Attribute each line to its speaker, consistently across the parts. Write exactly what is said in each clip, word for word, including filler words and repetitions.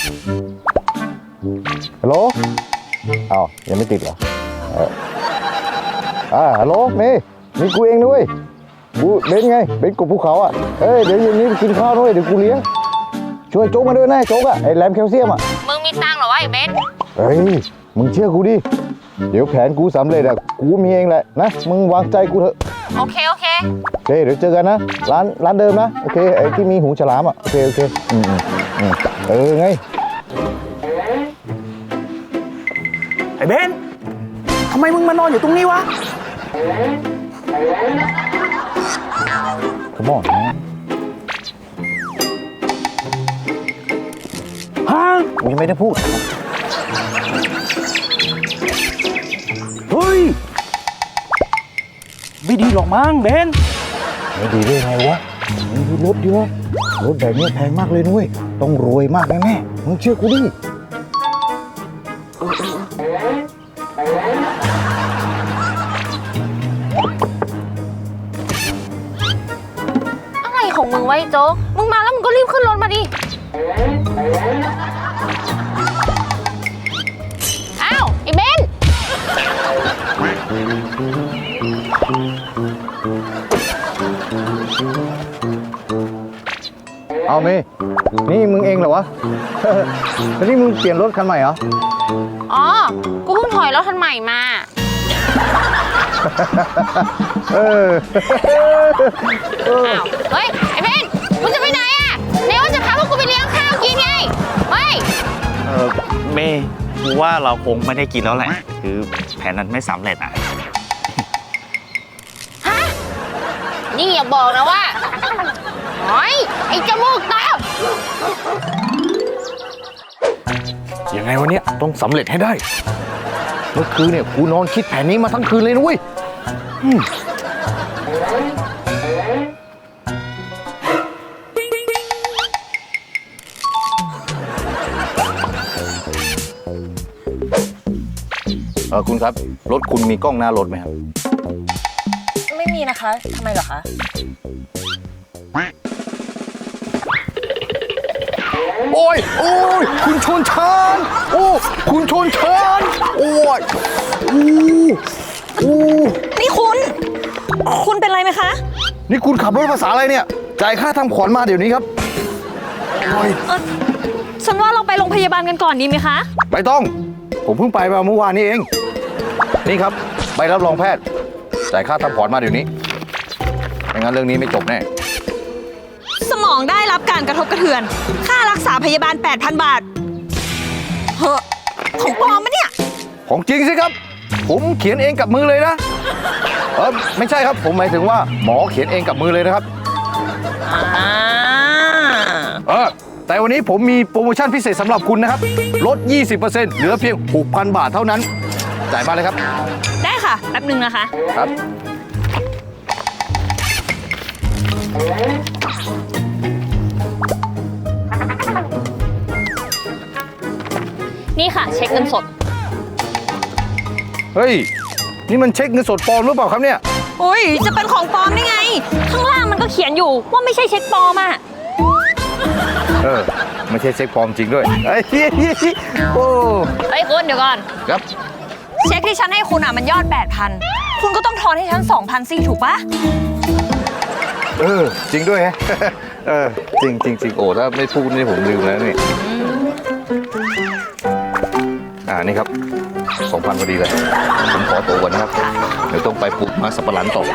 Speaker 1: ฮัลโหลอ้าวยังไม่ติดเหรอเอออ่าฮัลโหลเมย์มีกูเองด้วยกูเบนไงเบนกบภูเขาอ่ะเอ้ยเดี๋ยวเย็นนี้ไปกินข้าวด้วยเดี๋ยวกูเลี้ยงช่วยโจ๊กมาด้วยนะโจ๊กอ่ะไอ้แรมแคลเซียมอ่ะ
Speaker 2: มึงมีตังค์เหรอวะไอ้เบน
Speaker 1: เฮ้ยมึงเชื่อกูดิเดี๋ยวแผนกูสำเร็จอ่ะกูมีเองแหละนะมึงวางใจกูเถอะ
Speaker 2: โอเคโอเค
Speaker 1: โอเคเดี๋ยวเจอกันนะร้านร้านเดิมนะโอเคไอ้ที่มีหูฉลามอ่ะโอเคโอเคอืมอืมเออไง
Speaker 3: ไอ้เบนทำไมมึงมานอนอยู่ตรงนี้วะ
Speaker 1: ขมอนนะ
Speaker 3: ฮะ
Speaker 1: กูยังไม่ได้พูด
Speaker 3: เฮ้ยไม่ดีหรอกมั้งเบน
Speaker 1: ไม่ดีได้ไงวะมึงดูรถดิวะรถแบบนี้แพงมากเลยนุ้ยต้องรวยมากแน่ๆมึงเชื่อกูดิ
Speaker 2: อะไรของมึงไว้โจ๊กมึงมาแล้วมึงก็รีบขึ้นรถมาดิอ้าวไอ้เบน
Speaker 1: เอาเมย์นี่มึงเองเหรอวะ แล้วนี่มึงเปลี่ยนรถคันใหม่เหรอ
Speaker 2: อ๋อกูเพิ่งถอยรถคันใหม่มา
Speaker 1: เออ
Speaker 2: อ้าวเฮ้ยไอ้เบนมึงจะไปไหนอ่ะเดี๋ยวจะพาพวกกูไปเลี้ยงข้าวกินไงเฮ้ย
Speaker 3: เออเมย์กูว่าเราคงไม่ได้กินแล้วแหละคือแผนนั้นไม่สำเร็จอ่ะ
Speaker 2: ฮะนี่อย่าบอกนะว่าเฮ้ยไอ้จมูกตา
Speaker 1: ยังไงวะเนี่ยต้องสำเร็จให้ได้เมื่อคืนเนี่ยกูนอนคิดแผนนี้มาทั้งคืนเลยนุ้ยเออคุณครับรถคุณมีกล้องหน้ารถไหมครับ
Speaker 2: ไม่มีนะคะทำไมเหรอคะ
Speaker 1: โอ้ยโอ้ยคุณชนชานโอ้คุณชนชานโอ้ยอู้อู้
Speaker 4: นี่คุณคุณเป็นไรไหมคะ
Speaker 1: นี่คุณขับรถภาษาอะไรเนี่ยจ่ายค่าทำขวัญมาเดี๋ยวนี้ครับโอ้ย
Speaker 4: เออฉันว่าเราไปโรงพยาบาลกันก่อนดีไหมคะ
Speaker 1: ไม่ต้องผมเพิ่งไปมาเมื่อวานนี้เองนี่ครับใบรับรองแพทย์จ่ายค่าทำขวัญมาเดี๋ยวนี้ไม่งั้นเรื่องนี้ไม่จบแน่
Speaker 4: สมองได้รับการกระทบกระเทือนค่ารักษาพยาบาล แปดพัน บาทเฮ้อของปลอมปะเนี่ย
Speaker 1: ของจริงสิครับผมเขียนเองกับมือเลยนะเออไม่ใช่ครับผมหมายถึงว่าหมอเขียนเองกับมือเลยนะครับ
Speaker 4: อ่า
Speaker 1: เออแต่วันนี้ผมมีโปรโมชั่นพิเศษสำหรับคุณนะครับลด ยี่สิบเปอร์เซ็นต์ เหลือเพียง หกพัน บาทเท่านั้นจ่ายมาเลยครับ
Speaker 4: ได้ค่ะแป๊บนึงนะคะ
Speaker 1: ครับ
Speaker 4: นี่ค่ะเช็คเงินสด
Speaker 1: เฮ้ยนี่มันเช็คเงินสดปลอมหรือเปล่าครับเนี่ย
Speaker 4: โอ้ยจะเป็นของปลอมได้ไงข้างล่างมันก็เขียนอยู่ว่าไม่ใช่เช็คปลอมอ่ะ
Speaker 1: เออไม่ใช่เช็คปลอมจริงด้วยไอ้โอ้
Speaker 4: ไอ้คุณเดี๋ยวก่อน
Speaker 1: ครับ
Speaker 4: เช็คที่ฉันให้คุณอ่ะมันยอด แปดพัน คุณก็ต้องทอนให้ฉัน สองพัน สิถูกปะ
Speaker 1: เออจริงด้วยฮะเออจริงจริงจริงโอ้ถ้าไม่พูดนี่ผมลืมแล้วนี่อ่านี่ครับ สองพัน พอดีเลยผมขอตัวก่อนนะครับเดี๋ยวต้องไปปลูกมาสับปะหลังต่อ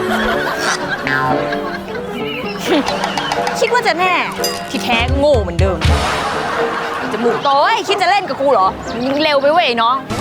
Speaker 4: คิดว่าจะแน่ที่แท้โง่เหมือนเดิมจมูกโต้ยคิดจะเล่นกับกูเหรอยิงเร็วไปเว้ยน้อง